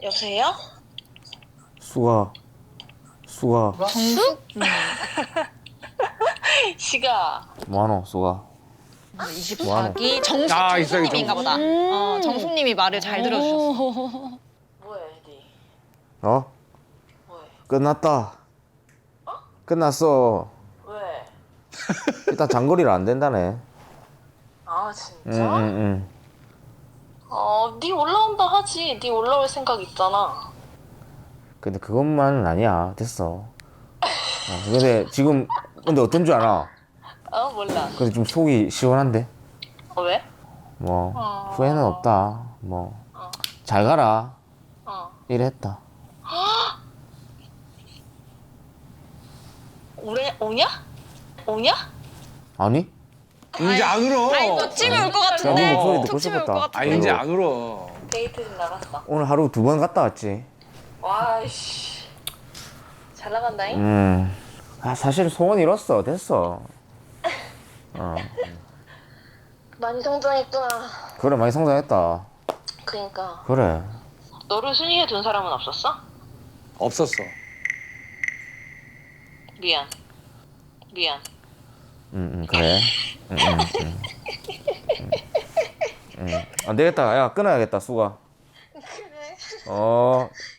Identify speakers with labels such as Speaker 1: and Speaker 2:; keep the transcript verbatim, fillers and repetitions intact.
Speaker 1: 여보세요?
Speaker 2: 수가 수가
Speaker 3: 정숙?
Speaker 1: 시가
Speaker 2: 뭐하노 수가
Speaker 3: 이십사 기 정숙,
Speaker 4: 아, 있어,
Speaker 3: 정숙님인가 보다. 어, 정숙님이 말을 잘 들어주셨어.
Speaker 1: 뭐해 니?
Speaker 2: 어?
Speaker 1: 뭐해?
Speaker 2: 끝났다. 끝났어.
Speaker 1: 왜?
Speaker 2: 일단 장거리를 안 된다네.
Speaker 1: 아 진짜?
Speaker 2: 응응응.
Speaker 1: 어, 니 올라온다 하지. 니 올라올 생각 있잖아.
Speaker 2: 근데 그것만은 아니야. 됐어. 어, 근데 지금 근데 어떤 줄 알아?
Speaker 1: 어 몰라.
Speaker 2: 근데 좀 속이 시원한데?
Speaker 1: 어, 왜?
Speaker 2: 뭐
Speaker 1: 어.
Speaker 2: 후회는 없다. 뭐
Speaker 1: 어.
Speaker 2: 잘 가라.
Speaker 1: 어.
Speaker 2: 이랬다.
Speaker 1: 오래 오냐? 오냐?
Speaker 2: 아니?
Speaker 4: 이제 안 울어.
Speaker 3: 아니 또 찜이 올 것
Speaker 2: 야,
Speaker 3: 같은데.
Speaker 2: 너 목소리 듣고
Speaker 3: 톡 찜이 올 것
Speaker 2: 싶었다.
Speaker 4: 아
Speaker 3: 같은데.
Speaker 4: 이제 안 울어.
Speaker 1: 데이트 좀 나갔어.
Speaker 2: 오늘 하루 두 번 갔다 왔지.
Speaker 1: 와이씨. 잘 나간다잉?
Speaker 2: 음. 아 사실 소원 이뤘어. 됐어. 어.
Speaker 1: 많이 성장했구나.
Speaker 2: 그래 많이 성장했다.
Speaker 1: 그니까.
Speaker 2: 그래.
Speaker 1: 너를 순위에 둔 사람은 없었어?
Speaker 4: 없었어.
Speaker 1: 미안. 미안.
Speaker 2: 응, 응 그래. 응, 응, 응. 응. 응. 안 되겠다. 야 끊어야겠다 수가.
Speaker 1: 그래.
Speaker 2: 어.